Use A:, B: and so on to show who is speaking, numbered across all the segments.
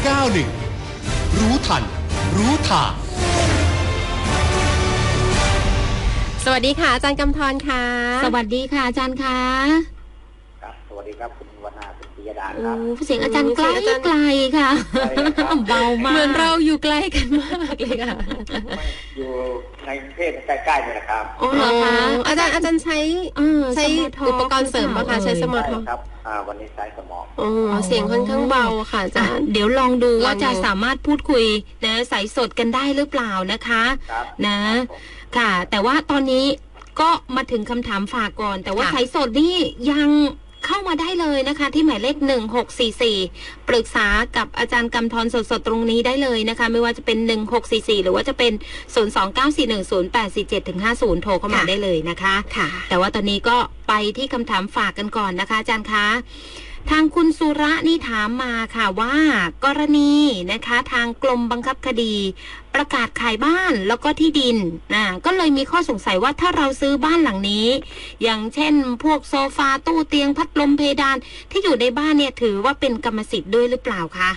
A: 91รู้ทันรู้ทาง
B: สวัสดีค่ะอาจารย์กำธรค่ะ
C: สวัสดีค่ะอาจารย์ค่ะ
D: ครับสวัสดีครับคุณวรรณาคุณปิยดาครับ
C: เสียงอาจารย์ไกลไกลค่ะเบามาก
B: เหมือนเราอยู่ใกล้กันมากเลยค่ะ
D: อยู่ในประเทศใกล้ๆนี่แหละครับ
B: อ๋อเหรอคะอาจารย์ใช้อุปกรณ์เสริมป่ะคะใช้สมาร์ทโฟน
D: ครับวันนี้ใช้สมอง
B: เสียงค่อนข้างเบาค่ะอาจารย์
C: เดี๋ยวลองดูว่าจะสามารถพูดคุยนะสายสดกันได้หรือเปล่านะคะนะค่ะแต่ว่าตอนนี้ก็มาถึงคำถามฝากก่อนแต่ว่าสายสดนี่ยังเข้ามาได้เลยนะคะที่หมายเลข1644ปรึกษากับอาจารย์กำธรสดๆตรงนี้ได้เลยนะคะไม่ว่าจะเป็น1644หรือว่าจะเป็น029410847-50โทรเข้ามาได้เลยนะคะ
B: ค่ะ
C: แต่ว่าตอนนี้ก็ไปที่คำถามฝากกันก่อนนะคะอาจารย์คะทางคุณสุระนี่ถามมาค่ะว่ากรณีนะคะทางกรมบังคับคดีประกาศขายบ้านแล้วก็ที่ดินก็เลยมีข้อสงสัยว่าถ้าเราซื้อบ้านหลังนี้อย่างเช่นพวกโซฟาตู้เตียงพัดลมเพดานที่อยู่ในบ้านเนี่ยถือว่าเป็นกรรมสิทธิ์ด้วยหรือเปล่าคะ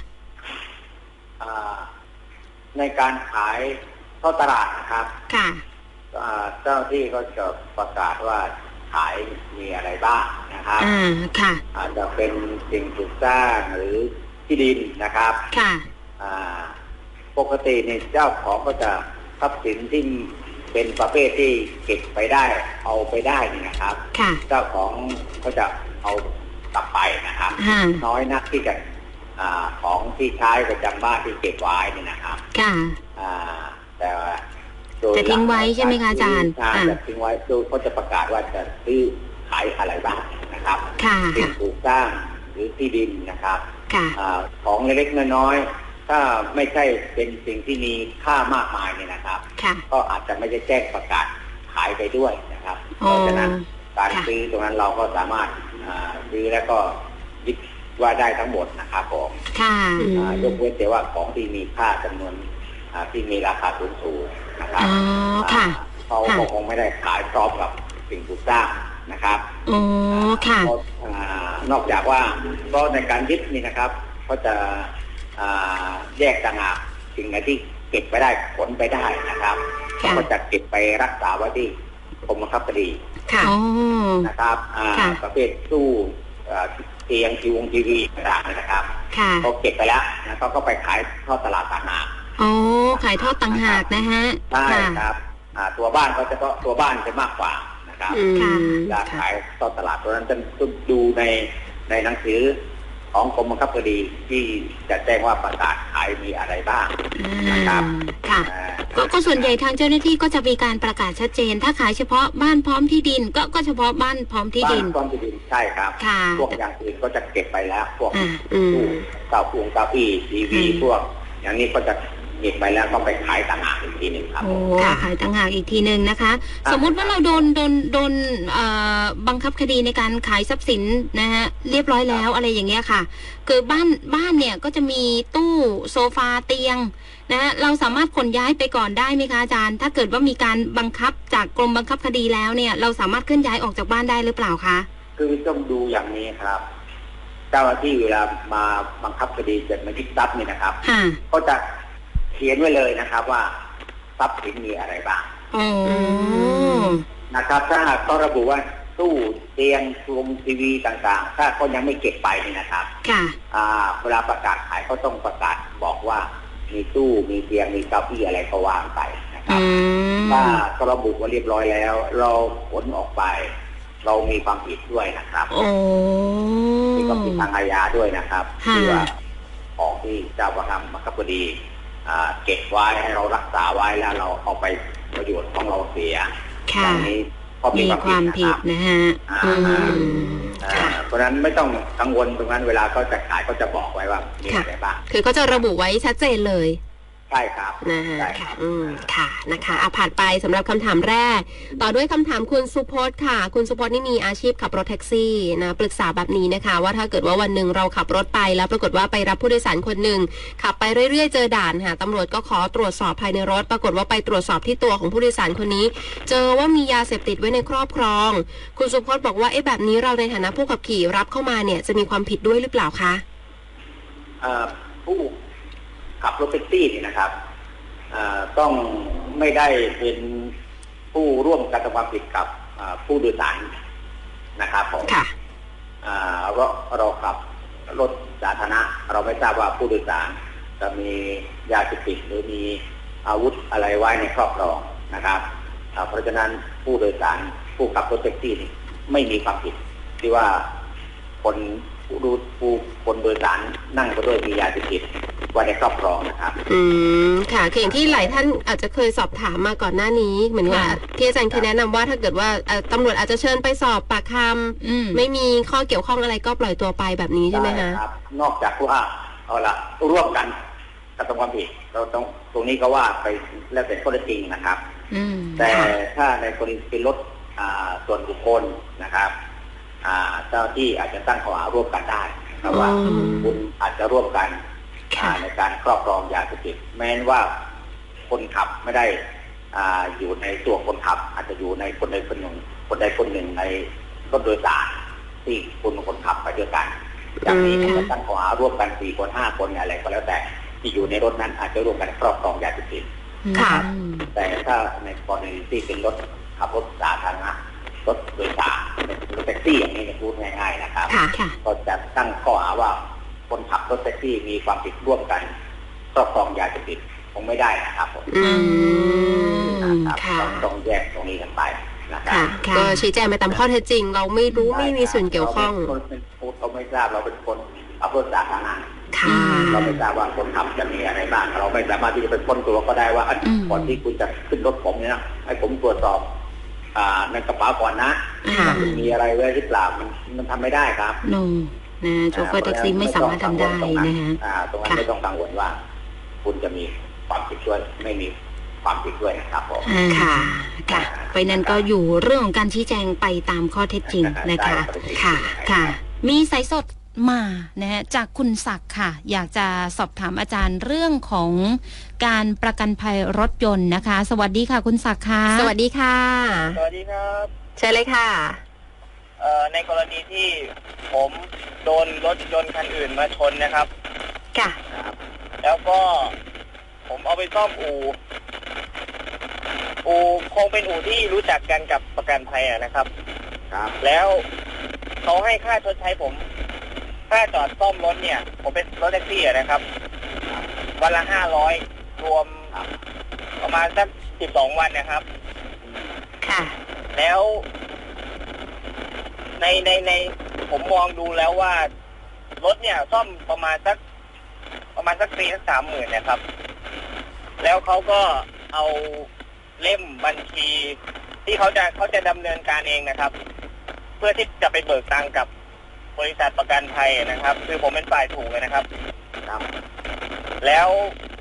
D: ในการขายเข้าตลาดนะครับ
C: ค่ะ
D: เจ้าที่ก็จะประกาศว่าขายมีอะไรบ้างนะครับ
C: ค่ะ
D: อาจจะเป็นสิ่งปลูกสร้างหรือที่ดินนะครับ
C: ค่ะ
D: ปกติเนี่ยเจ้าของก็จะทรัพย์สินที่เป็นประเภทที่เก็บไปได้เอาไปได้นี่นะครับเจ้าของก็จะเอากลับไปนะครับน้อยนักที่จะของที่ใช้ประจำบ้านที่เก็บไว้นี่นะครับ
C: ค่ะ
D: แต่
C: จะทิ้งไว้ใช่ไหมคะอาจารย์
D: จะทิ้งไว้โดยเขาจะประกาศว่าจะซื้อขายอะไรบ้างนะครับสิ่งปลูกสร้างหรือที่ดินนะครับของเล็กๆน้อยๆถ้าไม่ใช่เป็นสิ่งที่มีค่ามากมายเนี่ยนะครับก็อาจจะไม่ได้แจ้งประกาศขายไปด้วยนะครับเพราะฉะนั้นการซื้อตรงนั้นเราก็สามารถซื้อแล้วก็ยึดว่าได้ทั้งหมดนะครับผมยกเว้นแต่ว่าของที่มีค่าจำนวนที่มีราคาสูงๆนะครับเขาคงไม่ได้ขายพร้อมกับสิ่งปลูกสร้างนะครับนอกจากว่าก็ในการยึดนี่นะครับก็จะแยกต่างหากสิ่งไหนที่เก็บไปได้ขนไปได้นะครับก็จะเก็บไปรักษาไว้ที่กรมบังคับคดีนะครับประเภทตู้เตียงทีวีต่างๆนะครับเขาเก็บไปแล้วนะเขาก็ไปขายทอดตลาดต่างหาก
C: ขายทอดต่างหากนะฮะ
D: ใช่ครับตัวบ้านเขาจะตัวบ้านจะมากกว่านะครับการขายทอดตลาดตัวนั้นจะดูในหนังสือของกรมบังคับคดีที่จะแจ้งว่าประกาศขายมีอะไรบ้างนะครับ
C: ก็ส่วนใหญ่ทางเจ้าหน้าที่ก็จะมีการประกาศชัดเจนถ้าขายเฉพาะบ้านพร้อมที่ดินก็เฉพาะบ้านพร้อมที่ดิน
D: พร้อมที่ดินใช่ครับพวกอย่างอื่นก็จะเก็บไปแล้วพวกตู้เก้าอี้ทีวีพวกอย่างนี้ก็จะเก็บไปแล้วก็ไปขายต่างหากอีกทีหนึ่งครับ
C: ขายต่างหากอีกทีหนึ่งนะคะสมมุติว่าเราโดนบังคับคดีในการขายทรัพย์สินนะฮะเรียบร้อยแล้วอะไรอย่างเงี้ยค่ะคือบ้านเนี่ยก็จะมีตู้โซฟาเตียงนะเราสามารถขนย้ายไปก่อนได้ไหมคะอาจารย์ถ้าเกิดว่ามีการบังคับจากกรมบังคับคดีแล้วเนี่ยเราสามารถเคลื่อนย้ายออกจากบ้านได้หรือเปล่าคะ
D: คือต้องดูอย่างนี้ครับเจ้าหน้าที่เวลามาบังคับคดีเสร็จมายึดทรัพย์นี่นะครับก็จะเขียนไว้เลยนะครับว่าทรัพย์สินมีอะไรบ้างนะครับถ้าหากต้องระบุว่าตู้เตียงทีวีต่างๆถ้าเขายังไม่เก็บไปนี่นะครับเวลาประกาศขายเขาต้องประกาศบอกว่ามีตู้มีเตียงมีเก้าอี้อะไรก็วางไปนะครับถ้าเขาระบุว่าเรียบร้อยแล้วเราขนออกไปเรามีความผิดด้วยนะครับมีความผิดทางอาญาด้วยนะครับที่ว่าของที่เจ้าประคับบังคับคดีเก็บไว้ให้เรารักษาไว้แล้วเราเอาไปประโยชน์ของเราเสียอย่างนี้
C: มีความผิดนะฮะ
D: เพราะฉะนั้นไม่ต้องกังวลตรงนั้นเวลาเขาจะขายเขาจะบอกไว้ว่ามีอะไรบ้าง
B: คือเขาจะระบุไว้ชัดเจนเลย
D: ใช่ครับ
B: นะฮะค่ะนะคะผ่านไปสำหรับคำถามแรกต่อด้วยคำถามคุณสุพจน์ค่ะคุณสุพจน์นี่มีอาชีพขับรถแท็กซี่นะปรึกษาแบบนี้นะคะว่าถ้าเกิดว่าวันหนึ่งเราขับรถไปแล้วปรากฏว่าไปรับผู้โดยสารคนหนึ่งขับไปเรื่อยๆเจอด่านค่ะตำรวจก็ขอตรวจสอบภายในรถปรากฏว่าไปตรวจสอบที่ตัวของผู้โดยสารคนนี้เจอว่ามียาเสพติดไว้ในครอบครองคุณสุพจน์บอกว่าแบบนี้เราในฐานะผู้ขับขี่รับเข้ามาเนี่ยจะมีความผิดด้วยหรือเปล่าคะ
D: ผู้ขับรถแท็กซี่นี่นะครับต้องไม่ได้เป็นผู้ร่วมกระทำความผิดกับผู้โดยสารนะครับผมเราขับรถสาธารณะเราไม่ทราบว่าผู้โดยสารจะมียาเสพติดหรือมีอาวุธอะไรไว้ในครอบครองนะครับเพราะฉะนั้นผู้โดยสารผู้ขับรถแท็กซี่นี่ไม่มีความผิดที่ว่าคนโดยสารนั่งไปด้วยมียาเสพติดไว้ในครอบครองนะครับ
B: ค่ะคืออย่างที่หลายท่านอาจจะเคยสอบถามมาก่อนหน้านี้เหมือนว่าที่อาจารย์เคยแนะนำว่าถ้าเกิดว่าตำรวจอาจจะเชิญไปสอบปากคำไม่มีข้อเกี่ยวข้องอะไรก็ปล่อยตัวไปแบบนี้ใช่ไหมคะ
D: ครับนอกจากว่าเอาละร่วมกันกระทำความผิดเราต้องตรงนี้ก็ว่าไปแล้วแต่ข้อเท็จจริงนะครับแต่ถ้าในกรณีเป็นรถส่วนบุคคลนะครับเจ้าที่อาจจะตั้งข้อหาร่วมกันได้เพราะว่าคุณอาจจะร่วมกันในการครอบครองยาเสพติดแม้ว่าคนขับไม่ได้อยู่ในตัวคนขับอาจจะอยู่ในคนใดคนหนึ่งในรถโดยสารที่คุณคนขับไปด้วยกันจากนี้จะตั้งข้อหาร่วมกัน4 คน 5 คนอะไรก็แล้วแต่ที่อยู่ในรถนั้นอาจจะร่วมกันครอบครองยาเสพติดแต่ถ้าในกรณีที่เป็นรถขับรถสาธารณะรถโดยสารรถแท็กซี่อย่างนี้พูดง่ายๆนะครับก็จะตั้งข้อหาว่าคนขับรถแท็กซี่มีความผิดร่วมกันครอบครองยาเสพติดคงไม่ได้นะครับผมต้องแยกตรงนี้กันไปนะครับ
B: ก็ชี้แจงไปตามข้อเท็จจริงเราไม่รู้ไม่มีส่วนเกี่ยวข้อง
D: เราไม่ทราบเราเป็นคนขับรถสาธารณะเราไม่ทราบว่าคนขับจะมีอะไรบ้างเราไม่สามารถที่จะเป็นคนตัวก็ได้ว่าก่อนที่คุณจะขึ้นรถผมเนี่ยนะให้ผมตรวจสอบในกระเป๋าก่อนนะมีอะไรไว้หรือเปล่ามันทำไม่ได้ครับ
C: โชเฟอร์แท็กซี่ไม่สามารถทำได้นะฮะ
D: ตรงนั้นไม่ต้องกังวลว่าคุณจะมีความผิดด้วยไม่มีความผิดด้วยนะครับผม
C: ค่ะไปนั้นก็อยู่เรื่องของการชี้แจงไปตามข้อเท็จจริงนะคะค่ะมีสายสดมานะฮะจากคุณศักดิ์ค่ะอยากจะสอบถามอาจารย์เรื่องของการประกันภัยรถยนต์นะคะสวัสดีค่ะคุณศักดิ์ค่ะ
B: สวัสดีค่ะ
E: สวัสดีครับ
B: เชิญเลยค่ะ
E: ในกรณีที่ผมโดนรถยนต์คันอื่นมาชนนะครับ
B: ค่ะ
E: แล้วก็ผมเอาไปซ่อมอู่คงเป็นอู่ที่รู้จักกันกับประกันภัยนะครับแล้วเขาให้ค่าชดใช้ผมค่าจอดซ่อมรถเนี่ยผมเป็นรถแท็กซี่นะครับวันละ500รวมประมาณสัก12 วันนะครับ
B: ค่ะ
E: แล้วในผมมองดูแล้วว่ารถเนี่ยซ่อมประมาณสักปีสัก30,000นะครับ แล้วเขาก็เอาเล่มบัญชีที่เขาจะดำเนินการเองนะครับเพื่อที่จะไปเบิกตังค์กับบริษัทประกันภัยนะครับคือผมเป็นฝ่ายถูกเลยนะครับแล้ว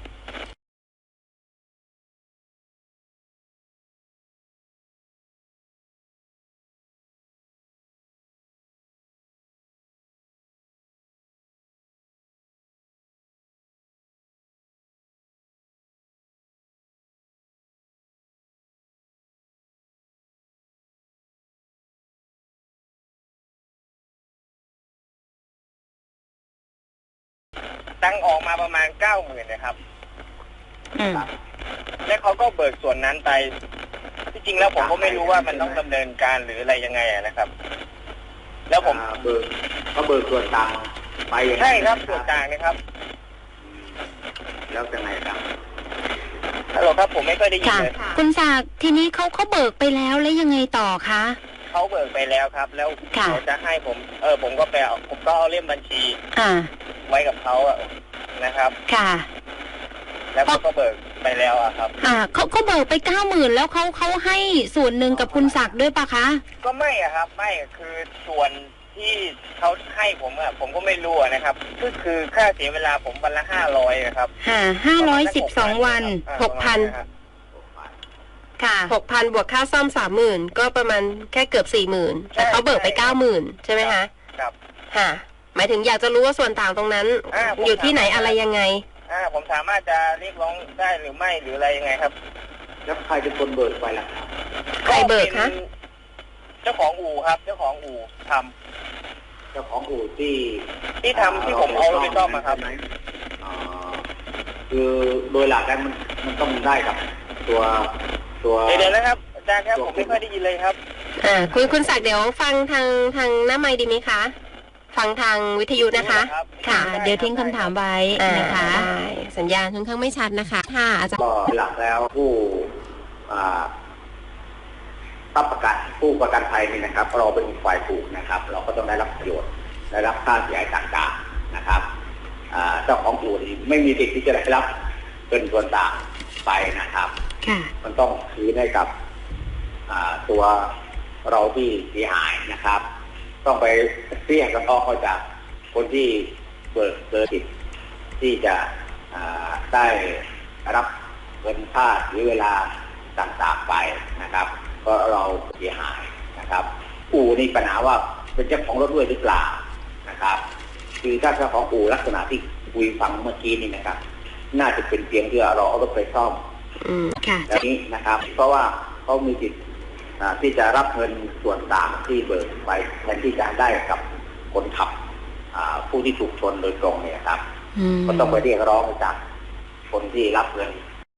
E: ตังค์ออกมาประมาณ90,000นะครับแล้วเขาก็เบิกส่วนนั้นไปที่จริงแล้วผมก็ไม่รู้ว่ามันต้องดำเนินการหรืออะไรยังไงนะครับแล้วผม
D: เบิกส่วนต่างไป
E: ใช่ครับส่วนต่างนะครับ
D: แล้วยังไงครับ
E: ฮัลโหลครับผมไม่ค่อยได้ยินเลย
C: คุณศักดิ์ทีนี้เขาเบิกไปแล้วแล้วยังไงต่อคะ
E: เขาเบิกไปแล้วครับแล้วเขาจะให้ผมผมก็เอาเล่มบัญชีไว้กับเขานะครับ
C: ค่ะ
E: แล้วก็เบิกไปแล้วครับ
C: เขาเบิกไป90,000แล้วเขาให้ส่วนหนึ่งกับคุณศักดิ์ด้วยปะคะ
E: ก็ไม่ครับไม่คือส่วนที่เขาให้ผมก็ไม่รู้นะครับคือค่าเสียเวลาผมวันละ500นะครับ
C: 512 วัน
B: 6,000ค่ะ 6,000 บวกค่าซ่อม 30,000 ก็ประมาณแค่เกือบ 40,000 แต่เขาเบิกไป 90,000 ใช่ไหมคะ
E: ครับ
B: ค่ะหมายถึงอยากจะรู้ว่าส่วนต่างตรงนั้นอยู่ที่ไหนอะไรยังไง
E: ผมสามารถจะเรียกร้องได้หรือไม่หรืออะไรยังไงครับ
D: แล้วใครเป็นคนเบิกไปล่ะ
B: ใครเบิกคะ
E: เจ้าของอู่ครับเจ้าของอู่ท
D: ำเจ้าของอู่ที่
E: ทำที่ผมเอาไปซ่อมมาครับ
D: คือโดยหลักแล้วมันต้องได้กับตัว
E: เดี๋ยวนะครับอาจารย์ครับผมไม่ค่อยได้ยินเลยครับ
B: คุณศักดิ์เดี๋ยวฟังทางหน้าไมค์ดีไหมคะฟังทางวิทยุนะคะ
C: ค่ะเดี๋ยวทิ้งคำถามไว้นะคะ
B: สัญญาณค่อนข้างไม่ชัดนะคะค่ะอาจารย์
D: ก็หลักแล้วผู้ประกันภัยนี่นะครับเราเป็นฝ่ายผูกนะครับเราก็ต้องได้รับประโยชน์ได้รับค่าเสียหายต่างๆนะครับเจ้าของอู่นี่ไม่มีสิทธิ์ที่จะได้รับเป็นส่วนต่างไปนะครับมันต้องคืนให้กับตัวเราที่เสียหายนะครับต้องไปเรียกกันออกมาจากคนที่เบิกสิทธิ์ที่จะได้รับเงินค่าหรือเวลาต่างๆไปนะครับก็เราเสียหายนะครับอู่นี่ปัญหาว่าเป็นเจ้าของรถด้วยหรือเปล่านะครับคือถ้าเจ้าของอู่ลักษณะที่คุยฟังเมื่อกี้นี่นะครับน่าจะเป็นเพียงเพื่อเราเอารถไปซ่อมแบบนี้นะครับเพราะว่าเขามีสิทธิ์ที่จะรับเงินส่วนต่างที่เบิกไปแทนที่จะได้กับคนขับผู้ที่ถูกชนโดยตรงเนี่ยครับก็ต้องไปเรียกร้องจากคนที่รับเงิน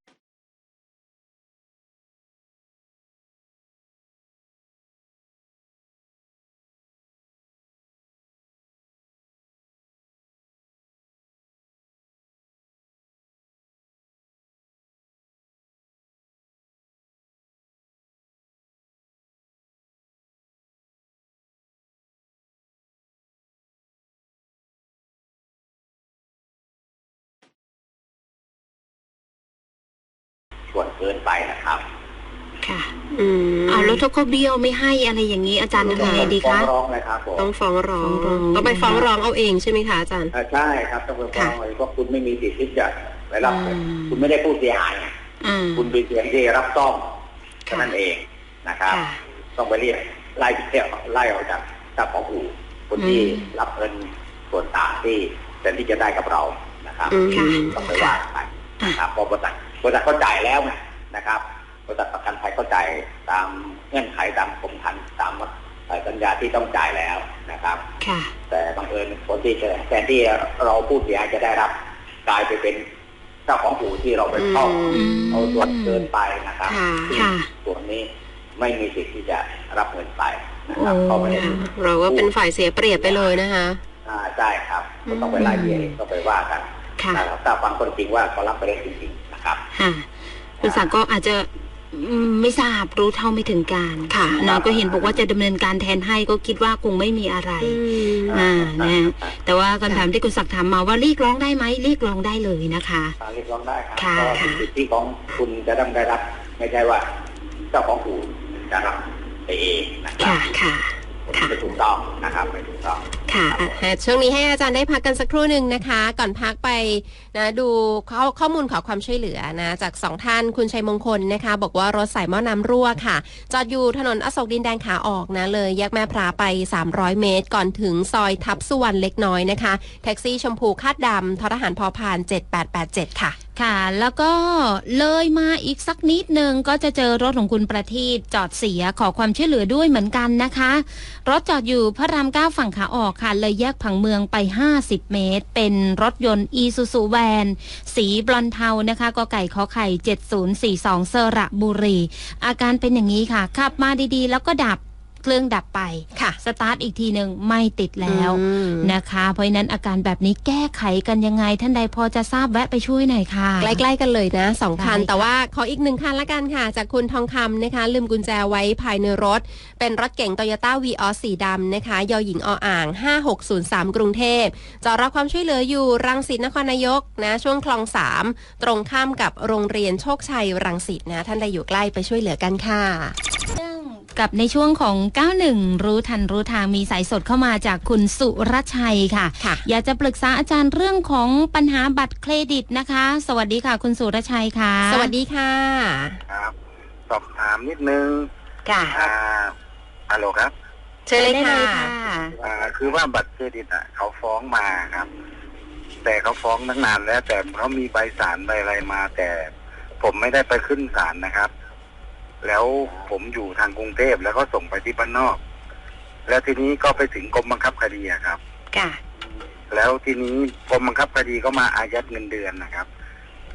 D: ส่วนเกินไปนะครับ
C: ค่ะแล้วถ้าเขาเบี้ยวไม่ให้อะไรอย่างนี้อาจารย์ทำยังไงดีคะ
D: ฟ้องร้องนะครับ
B: ต้องฟ้องร้องต้องไปฟ้องร้องเอาเองใช่ไหมคะอาจารย์
D: ใช่ครับต้องไปฟ้องเลยเพราะคุณไม่มีสิทธิ์ที่จะไปรับคุณไม่ได้ผู้เสียหายคุณเป็นเพียงที่รับซ่อมแค่นั้นเองนะครับต้องไปเรียกไล่ออกจากเจ้าของอู่คนที่รับเงินส่วนต่างที่แต่ที่จะได้กับเรานะครับต้องไปว่าไปนะครับเพราะบริษัทเข้าใจแล้วนะครับบริษัทประกันภัยเข้าใจตามเงื่อนไขตามกรมธรรม์ตามสัญญาที่ต้องจ่ายแล้วนะครับแต่บังเอิญคนที่แทนที่เราผู้เสียหายจะได้รับกลายไปเป็นเจ้าของอู่ที่เราไปเข้าเอาส่วนเกินไปนะครับส่วนนี้ไม่มีสิทธิ์ที่จะรับเงินไปนะครับ
B: เราก็เป็นฝ่ายเสียเปรียบไปเลยนะคะ
D: ใช่ครับก็ต้องไปไล่เบี้ยต้องไปว่ากันถ้าฟังคนจริงว่าเขารับไปได้จริงๆนะครับ
C: คุณศักดิ์ก็อาจจะไม่ทราบรู้เท่าไม่ถึงการค่ะนะก็เห็นบอกว่าจะดำเนินการแทนให้ก็คิดว่าคงไม่มีอะไรนะแต่ว่าคำถามที่คุณศักดิ์ถามมาว่าเรียกร้องได้ไหมเรียกร้องได้เลยนะคะ
D: เรียกร้องได้ครับก็เป็นสิทธิของคุณจะได้รับไม่ใช่ว่าเจ้าของอู่จะรับไปเองนะครับ
B: ค่ะ
D: ไม่ถูกต้องนะครับไม่ถูกต้อง
B: ค่ะช่วงนี้ให้อาจารย์ได้พักกันสักครู่หนึ่งนะคะก่อนพักไปนะดูข้อมูลขอความช่วยเหลือนะจาก2ท่านคุณชัยมงคลนะคะบอกว่ารถสายหม้อน้ำรั่วค่ะจอดอยู่ถนนอโศกดินแดงขาออกนะเลยแยกแม่พระไป300เมตรก่อนถึงซอยทับสุวรรณเล็กน้อยนะคะแท็กซี่ชมพูคาดดำททหารพพาน7887ค่ะ
C: ค่ะแล้วก็เลยมาอีกสักนิดนึงก็จะเจอรถของคุณประทีปจอดเสียขอความช่วยเหลือด้วยเหมือนกันนะคะรถจอดอยู่พระราม9ฝั่งขาออกค่ะเลยแยกผังเมืองไป50เมตรเป็นรถยนต์อีซูซูแวนสีบลอนเทานะคะกไก่ขอไข่7042สระบุรีอาการเป็นอย่างนี้ค่ะขับมาดีๆแล้วก็ดับเครื่องดับไป
B: ค่ะ
C: สตาร์ทอีกทีหนึ่งไม่ติดแล้วนะคะเพราะฉะนั้นอาการแบบนี้แก้ไขกันยังไงท่านใดพอจะทราบแวะไปช่วยหน่อยค่ะ
B: ใกล้ๆกันเลยนะ2คันแต่ว่าขออีก1คันละกันค่ะจากคุณทองคำนะคะลืมกุญแจไว้ภายในรถเป็นรถเก๋ง Toyota Vios สีดำนะคะยหญิงออ่าง5603กรุงเทพจอดรับความช่วยเหลืออยู่รังสิตนครนายกนะช่วงคลอง3ตรงข้ามกับโรงเรียนโชคชัยรังสิตนะท่านใดอยู่ใกล้ไปช่วยเหลือกันค่ะ
C: กับในช่วงของ91รู้ทันรู้ทางมีสายสดเข้ามาจากคุณสุรชัยค่ะอยากจะปรึกษาอาจารย์เรื่องของปัญหาบัตรเครดิตนะคะสวัสดีค่ะคุณสุรชัยค่ะ
B: สวัสดีค่ะ
F: ครับสอบถามนิดนึง
B: ค่ะ
F: ฮัลโหลครับ
B: เชิญเลยค่ะ
F: คือว่าบัตรเครดิตเขาฟ้องมาครับแต่เขาฟ้องตั้งนานแล้วแต่เขามีใบศาลใบอะไรมาแต่ผมไม่ได้ไปขึ้นศาลนะครับแล้วผมอยู่ทางกรุงเทพแล้วก็ส่งไปที่บ้านนอกแล้วทีนี้ก็ไปถึงกรมบังคับคดีครับ
B: ค่ะ
F: แล้วทีนี้กรมบังคับคดีก็มาอายัดเงินเดือนนะครับ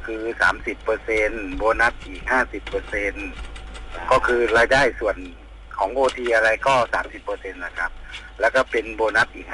F: คือ30%โบนัสอีก50%ก็คือรายได้ส่วนของโอทีอะไรก็30%นะครับแล้วก็เป็นโบนัสอีก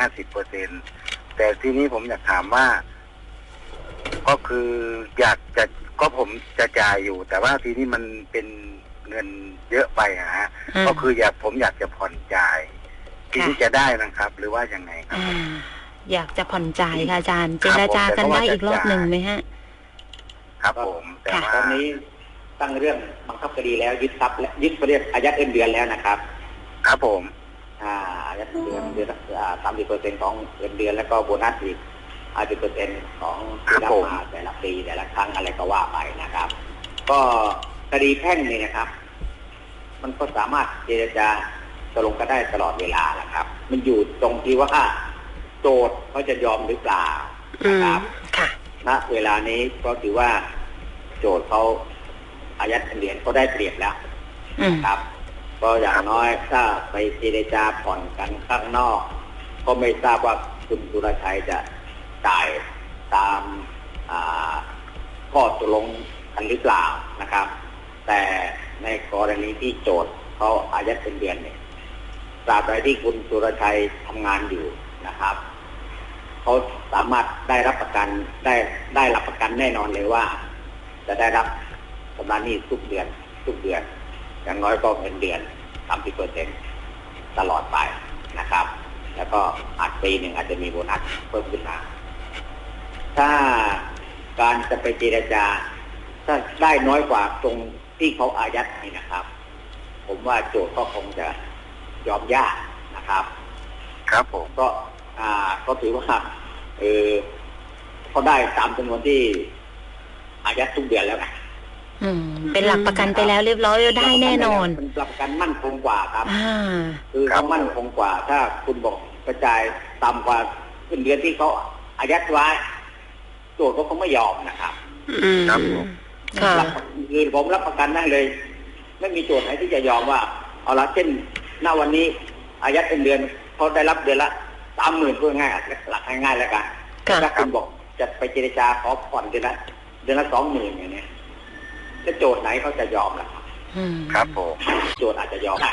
F: 50%แต่ทีนี้ผมอยากถามว่าก็คืออยากจะก็ผมจะจ่ายอยู่แต่ว่าทีนี้มันเป็นเงินเยอะไปฮะก็คือผมอยากจะผ่อนจ่ายทีนี้จะได้นะครับหรือว่ายังไงครับ
C: อยากจะผ่อนจ่ายค่ะอาจารย์เจรจากันได้อีกรอบหนึ่งไหมฮะ
F: ครับผมแต่ว่า
D: ตอนนี้ตั้งเรื่องบังคับคดีแล้วยึดทรัพย์และยึดเรียกอายัดเงินเดือนแล้วนะครับ
F: ครับผม
D: อายัดเดือน30%ของเงินเดือนแล้วก็โบนัสอีก50%ของที่รับมาแต่ละปีแต่ละครั้งอะไรก็ว่าไปนะครับก็คดีแพ่งนี่นะครับมันก็สามารถเจรจาตกลงกันได้ตลอดเวลาแหละครับมันอยู่ตรงที่ว่าโจทย์เขาจะยอมหรือเปล่านะครับณเวลานี้ก็ถือว่าโจทย์เขาอายัดเงินเดือนเขาได้เปรียบแล้วนะครับก็อย่างน้อยถ้าไปเจรจาผ่อนกันข้างนอกก็ไม่ทราบว่าคุณสุรชัยจะจ่ายตามข้อตกลงกันหรือเปล่านะครับแต่ในกรณีที่โจทย์เขาอายัดเงินเดือนเนี่ยตราบใดที่คุณสุรชัยทำงานอยู่นะครับเขาสามารถได้รับประกันได้รับประกันแน่นอนเลยว่าจะได้รับชำระหนี้ทุกเดือนอย่างน้อยก็เงินเดือน30%ตลอดไปนะครับแล้วก็อาจปีหนึ่งอาจจะมีโบนัสเพิ่มขึ้นมาถ้าการจะไปเจรจาถ้าได้น้อยกว่าตรงที่เขาอายัดนี่นะครับผมว่าโจทย์ก็คงจะยอมยากนะครับ
F: ครับผม
D: ก็ถือว่าเขาได้ตามจำนวนที่อายัดทุกเดือนแล้วไง
C: เป็นหลักประกันไปแล้วเรียบร้อยได้แน่นอน
D: เป็นหลักประกันมั่นคงกว่าครับคือเขามั่นคงกว่าถ้าคุณบอกกระจายต่ำกว่าเงินเดือนที่เขาอายัดไว้โจทย์เขาไม่ยอมนะครับ
F: ครับ
D: คือผมรับประกันได้เลยไม่มีโจทย์ไหนที่จะยอมว่าเอาละเช่นณวันนี้อายัดเงินเดือนเขาได้รับเดือนละ30,000พูดง่ายหลักง่ายๆแล้วกันถ้าคุณบอกจะไปเจรจาขอผ่อนเดือนละ20,000อย่างนี้จะโจทย์ไหนเขาจะยอมล่ะ
F: ครับผม
D: โจทย์อาจจะยอม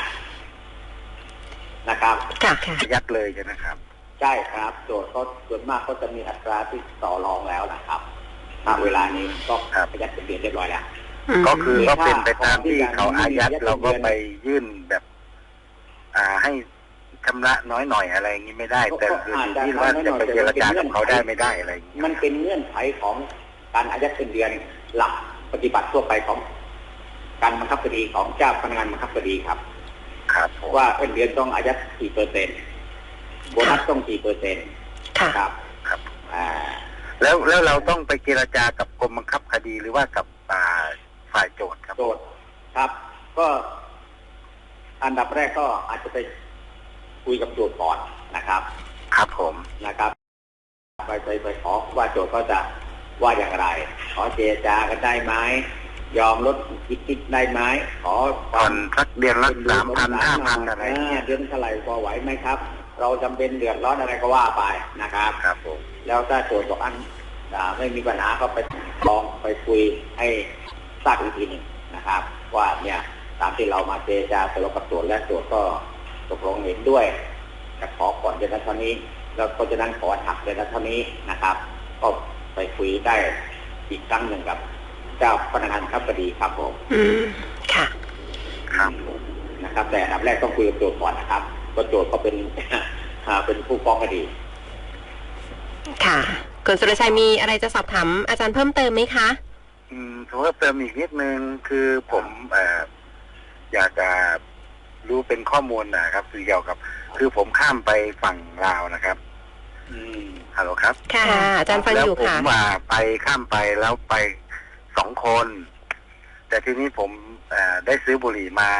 D: นะครับ
F: ยัดเลยใช่ไหมครับ
D: ใช่ครับโจทย์เขาส่วนมากก็จะมีอัตราที่ต่อรองแล้วนะครับณเวลานี้ก็ยัดเงินเรียบร้อยแล้ว
F: ก็คือก็เป็นไปตามที่เขาอายัดเราก็ไปยื่นแบบให้ชำระน้อยหน่อยอะไรอย่างนี้ไม่ได้แต่คือที่ว่าจะไปเจรจากับเขาได้ไม่ได้อะไรอย่างนี้
D: มันเป็นเงื่อนไขของการอายัดเงินเดือนหลักปฏิบัติทั่วไปของการบังคับคดีของเจ้าพนักงานบังคับคดีครับว่าเงินเดือนต้องอายัด4%โบนัสต้อง4%ครับ
F: แล้วเราต้องไปเจรจากับกรมบังคับคดีหรือว่ากับฝ่ายโจทย์ครับ
D: โจทย์ครับก็อันดับแรกก็อาจจะไปคุยกับโจทย์ก่อนนะครับ
F: ครับผม
D: นะครับไปขอว่าโจทย์ก็จะว่าอย่างไรขอเจรจากันได้ไหมยอมลดคิดได้ไหมขอ
F: ผ่อนสักเดือนละ3,000 5,000อะไร
D: เดือนเท่าไหร่พอไหวไหมครับเราจำเป็นเดือดร้อนอะไรก็ว่าไปนะครับ
F: ครับผม
D: แล้วถ้าโจทย์บอกไม่มีปัญหาก็ไปลองไปคุยให้ทราบอีกทีหนึ่งนะครับว่าเนี่ยตามที่เรามาเจรจาตกลงกับโจทย์และโจทย์ก็ตกลงเห็นด้วยจะขอก่อนเดือนละเท่านี้แล้วก็จะนั้นขอหักเดือนละเท่านี้นะครับก็ไปคุยได้อีกครั้งหนึ่งกับเจ้าพนักงานบังคับคดีครับผม
C: ค่ะ
F: ครับผม
D: นะครับแต่อันดับแรกต้องคุยกับโจทย์ก่อนนะครับก็โจทย์ก็เป็นผู้ฟ้องคดี
B: ค่ะคุณสุรชัยมีอะไรจะสอบถามอาจารย์เพิ่มเติมไหมคะ
F: เพิ่มเติมอีกนิดนึงคือผมอยากจะรู้เป็นข้อมูลนะครับคือเกี่ยวกับคือผมข้ามไปฝั่งลาวนะครับฮัลโหลครับ
B: ค่ะอาจารย์ฟังอยู่ค่ะ
F: แล้วผมไปข้ามไปแล้วไป2 คนแต่ทีนี้ผมได้ซื้อบุหรี่มา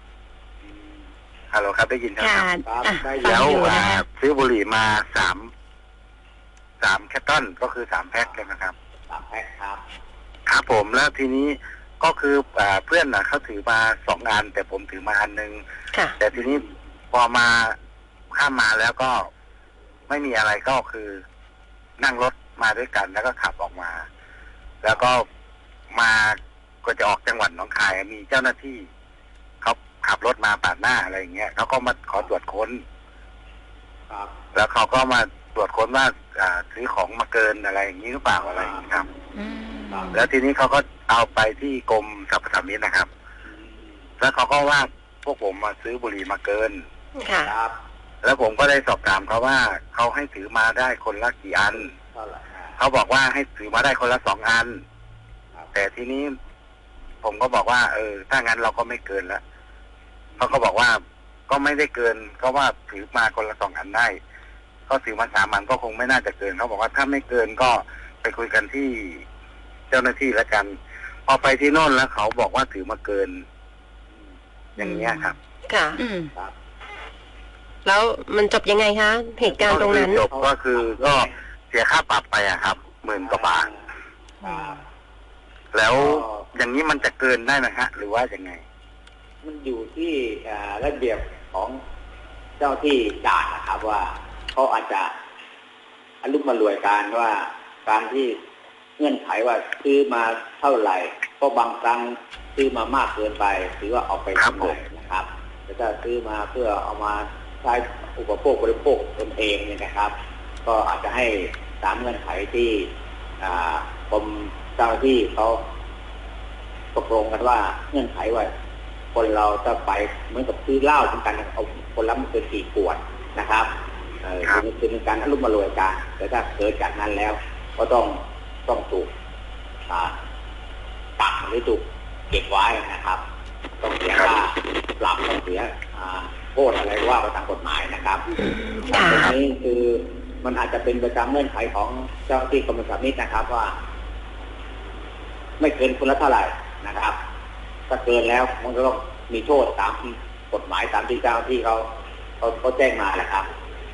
F: ฮัลโหลครับได้ยินครับแล้วซื้อบุหรี่มา3 แคตตอนก็คือ3 แพ็คใช่ไหมครับ
D: 3 แพ็คครับ
F: ครับผมแล้วทีนี้ก็คือเพื่อนเขาถือมา2 อันแต่ผมถือมาอันนึงแต่ทีนี้พอมาข้ามมาแล้วก็ไม่มีอะไรก็คือนั่งรถมาด้วยกันแล้วก็ขับออกมาแล้วก็มาก็จะออกจังหวัดหนองคายมีเจ้าหน้าที่เขาขับรถมาปาดหน้าอะไรอย่างเงี้ยเขาก็มาขอตรวจค้น
D: ครับ
F: แล้วเขาก็มาตรวจค้นว่าซื้อของมาเกินอะไรอย่างนี้หรือเปล่าอะไรอย่างนี้ครับแล้วทีนี้เขาก็เอาไปที่กรมสรรพสามิตนะครับแล้วเขาก็ว่าพวกผมมาซื้อบุหรี่มาเกิน
B: ครับ
F: แล้วผมก็ได้สอบถามเขาว่าเขาให้ถือมาได้คนละกี่อันเขาบอกว่าให้ถือมาได้คนละ2 อันแต่ทีนี้ผมก็บอกว่าถ้างั้นเราก็ไม่เกินแล้วเขาก็บอกว่าก็ไม่ได้เกินก็ว่าถือมาคนละ2 อันได้ก็ถือมา3 อันก็คงไม่น่าจะเกินเขาบอกว่าถ้าไม่เกินก็ไปคุยกันที่เจ้าหน้าที่แล้วกันพอไปที่โน่นแล้วเขาบอกว่าถือมาเกินอย่างเงี้ยครับ
B: ค่ะแล้วมันจบยังไงคะเหตุการณ์ตรงนั้น
F: จบก็คือก็เสียค่าปรับไปอะครับ10,000 กว่าบาทแล้วอย่างนี้มันจะเกินได้ไหมฮะหรือว่ายังไง
D: มันอยู่ที่ระเบียบของเจ้าที่ด่านนะครับว่าเขาอาจจะอารมณ์มารวยการว่าการที่เงื่อนไขว่าซื้อมาเท่าไหร่ก็บางครั้งซื้อมามากเกินไปหรือว่าเอาไปทำอะไรนะครับแต่ถ้าซื้อมาเพื่อเอามาใช้อุปโภคบริโภคตนเองเนี่ยนะครับก็อาจจะให้ตามเงื่อนไขที่กรมเจ้าที่เขาตกลงกันว่าเงื่อนไขว่าคนเราจะไปเหมือนกับซื้อเหล้าเหมือนกันเอาคนละไม่เกิน4 ขวดนะครับคือเป็นการอารมณ์มารวยกันแต่ถ้าเกิดจากนั้นแล้วก็ต้องถูกปรับหรือถูกเก็บไว้นะครับต้องเสียค่าปรับต้องเสียโทษอะไรว่าไปตามกฎหมายนะครับตรงนี้คือมันอาจจะเป็นไปตามเงื่อนไขของเจ้าที่กรมสรรพสามิตนะครับว่าไม่เกินคนละเท่าไหร่นะครับถ้าเกินแล้วมันก็ต้องมีโทษตามกฎหมายตามที่เจ้าที่เขาแจ้งมาแหละครับ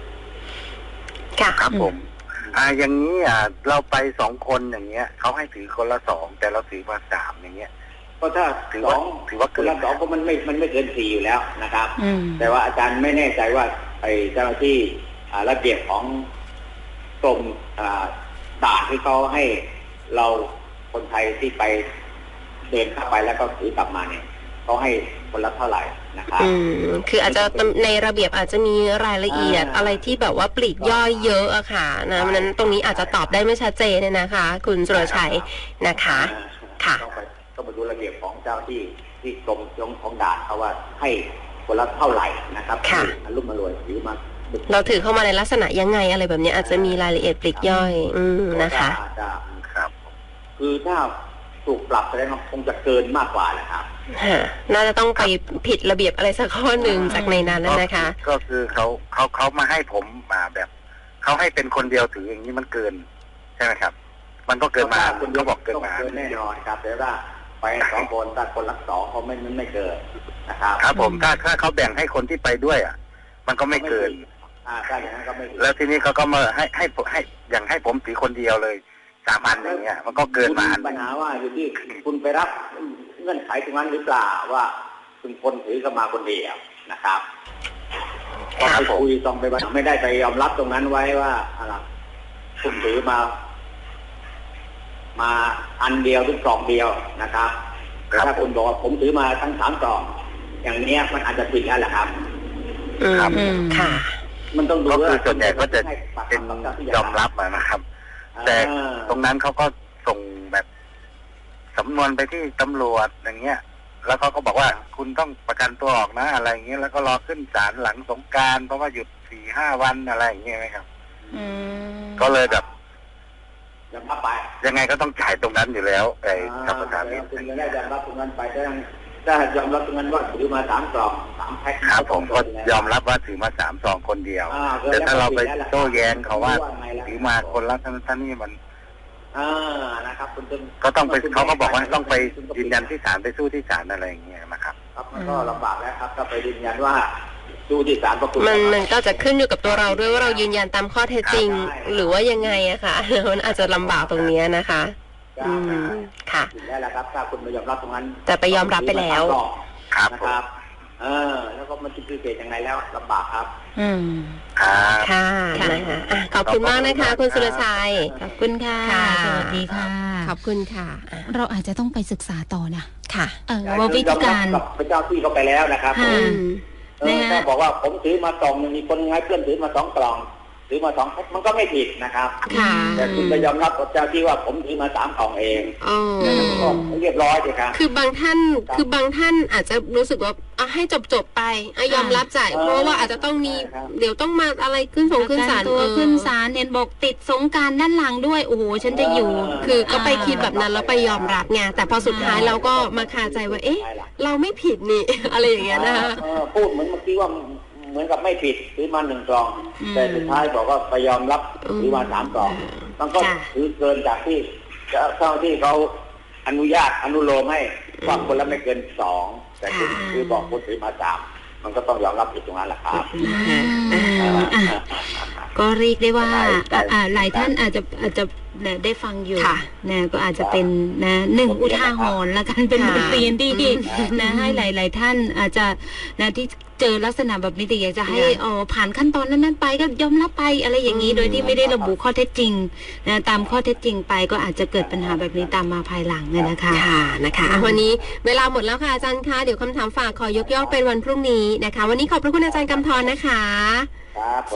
F: ครับผมอย่างนี้เราไป2 คนอย่างเงี้ยเขาให้ถือคนละ2แต่เราถือมา3อย่างเงี้ย
D: ก็ถ้าถือว่าคนละ2ก็มันไม่เกิน4อยู่แล้วนะครับแต่ว่าอาจารย์ไม่แน่ใจว่าไอ้เจ้าหน้าที่ระเบียบของกรมด่านที่เขาให้เราคนไทยที่ไปเดินเข้าไปแล้วก็ถือกลับมาเนี่ยเขาให้คนละเท่าไหร่นะครับ
B: คืออาจจะในระเบียบอาจจะมีรายละเอียดอะไรที่แบบว่าปลีกย่อยเยอะอะค่ะนะนั้นตรงนี้อาจจะตอบได้ไม่ชัดเจนเนี่ยนะคะคุณสุรชัยนะคะค่ะ
D: ต้องไปดูระเบียบของเจ้าที่กรมของด่านเขาว่าให้คนละเท่าไหร่นะครับอารมณ์มารวยถือมา
B: เราถือเข้ามาในลักษณะยังไงอะไรแบบนี้อาจจะมีรายละเอียดปลีกย่อยนะคะ
D: ครับคือถ้าถูกปรับแสดงว่าคงจะเกินมากกว่าแหละครับ
B: น่าจะต้องไปผิดระเบียบอะไรสักข้อหนึ่งจากในนั้นนะคะ
F: ก็คือเขามาให้ผมมาแบบเขาให้เป็นคนเดียวถืออย่างนี้มันเกินใช่ไหมครับมันก็เกินมา
D: คุณก็บอกเกินมาแน่นอนครับแต่ว่าไป2 คนถ้าคนละ2เขาไม่เกินนะครับ
F: ครับผมถ้าเขาแบ่งให้คนที่ไปด้วยมันก็ไม่เกินแล้วทีนี้เขาก็มาให้อย่างให้ผมถือคนเดียวเลย3 อันอย่างเงี้ยมันก็เกินมา
D: ปัญหาว่าอยู่ที่คุณไปรับเงื่อนไขตรงนั้นหรือเปล่าว่าคุณคนถือก็มาคนเดียวนะครับต้องไปคุยต้องไปไม่ได้ไปยอมรับตรงนั้นไว้ว่าอะไรคุณถือมาอันเดียวหรือกล่องเดียวนะครับแต่ถ้าคุณบอกว่าผมถือมาทั้ง3 กล่องอย่างนี้มันอาจจะผิดแล้วแหละครับ
F: ครับ
B: ค่ะ
D: มันต้องดู
F: ว่าส่วนใหญ่ก็จะเป็นยอมรับนะครับแต่ตรงนั้นเขาก็ส่งแบบสำนวนไปที่ตำรวจอย่างเงี้ยแล้วเขาก็บอกว่าคุณต้องประกันตัวออกนะอะไรอย่างเงี้ยแล้วก็รอขึ้นศาลหลังสงกรานต์เพราะว่าหยุด 4-5 วันอะไรอย่างเงี้ยไหมครับก็เลยแบบยังไงก็ต้องจ่ายตรงนั้นอยู่แล้วไอ้สรรพสามิต
D: คุณได้ยอมรับตรงนั้นไปถ้ายอมรับตรงนั้นว่าถือมา3 กล่อง3 แพ็ค
F: ครับผมก็ยอมรับว่าถือมา3 ซองคนเดียวแต่ถ้าเราไปโต้แย้งเขาว่าถือมาคนละท่านนี่มัน
D: นะครับคุณ
F: ก็ต้องไปเขาก็บอกว่าต้องไปยืนยันที่ศาลไปสู้ที่ศาลอะไรอย่างเงี้ยนะครับ
D: ครับมันก็ลำบากแล้วครับถ้าไปยืนยันว่าสู้ที่ศาล
B: มันก็จะขึ้นอยู่กับตัวเราด้วยว่าเรายืนยันตามข้อเท็จจริงหรือว่ายังไงอะค่ะมันอาจจะลำบากตรงนี้นะคะค่ะ
D: ได้แล้วครับถ้าคุณไม่ยอมรับตรงนั้น
B: แต่ไปยอมรับไปแล้ว
D: นะครับแล้วก็มันจะคือเกิดยังไงแล้วลำบากครับ
B: ค่ะนะคะขอบคุณมากนะคะคุณสุรชัย
C: ขอบคุณค่ะสวัสดีค่ะ
B: ขอบคุณค่ะ
C: เราอาจจะต้องไปศึกษาต่อนะ
B: ค่ะ
C: ว่าวิธีการ
D: พระเจ้าที่เขาไปแล้วนะครับถ้าบอกว่าผมถือมา2มีคนไงเพื่อนถือมา2 กล่องถือมา2 แพ็คมันก็ไม่ผิดนะครับแต่คุณไปยอมรับกับเจ้าที่ว่าผมถือมา3 กล่องเองก็เรียบร้อยเลยครับ
B: คือบางท่านอาจจะรู้สึกว่าให้จบไปยอมรับจ่ายเพราะว่าอาจจะต้องมีเดี๋ยวต้องมาอะไรขึ้นศาล
C: ตัวขึ้นศาลเห็นบอกติดสงกรานต์ด้านหลังด้วยโอ้โหฉันจะอยู่
B: คือก็ไปคิดแบบนั้นแล้วไปยอมรับไงแต่พอสุดท้ายเราก็มาคาใจว่าเอ๊ะเราไม่ผิดนี่อะไรอย่างเงี้ยนะคะ
D: พูดเหมือนเมื่อกี้ว่าเหมือนกับไม่ผิดถือมา1 กล่องแต่สุดท้ายบอกว่าไปยอมรับถือมา3 กล่องมันก็ถือเกินจากที่เจ้าที่เขาอนุญาตอนุโลมให้ว่าคนละไม่เกิน2แต่คือบอกคนถือมา3มันก็ต้องยอมรับผิดตรงนั้นแหละครับ
C: ก็เรียกได้ว่าหลายท่านอาจจะได้ฟังอยู่นะก็อาจจะเป็นนะ1 อุทาหรณ์ละกันเป็นบทเรียนที่นะให้หลายท่านอาจจะนะที่เจอลักษณะแบบนี้แต่อยากจะให้ผ่านขั้นตอนนั้นไปก็ยอมรับไปอะไรอย่างนี้โดยที่ไม่ได้ระบุข้อเท็จจริงนะตามข้อเท็จจริงไปก็อาจจะเกิดปัญหาแบบนี้ตามมาภายหลังนะคะ
B: วันนี้เวลาหมดแล้วค่ะอาจารย์คะเดี๋ยวคำถามฝากขอยกย่อเป็นวันพรุ่งนี้นะคะวันนี้ขอบพระคุณอาจารย์กำธรนะคะ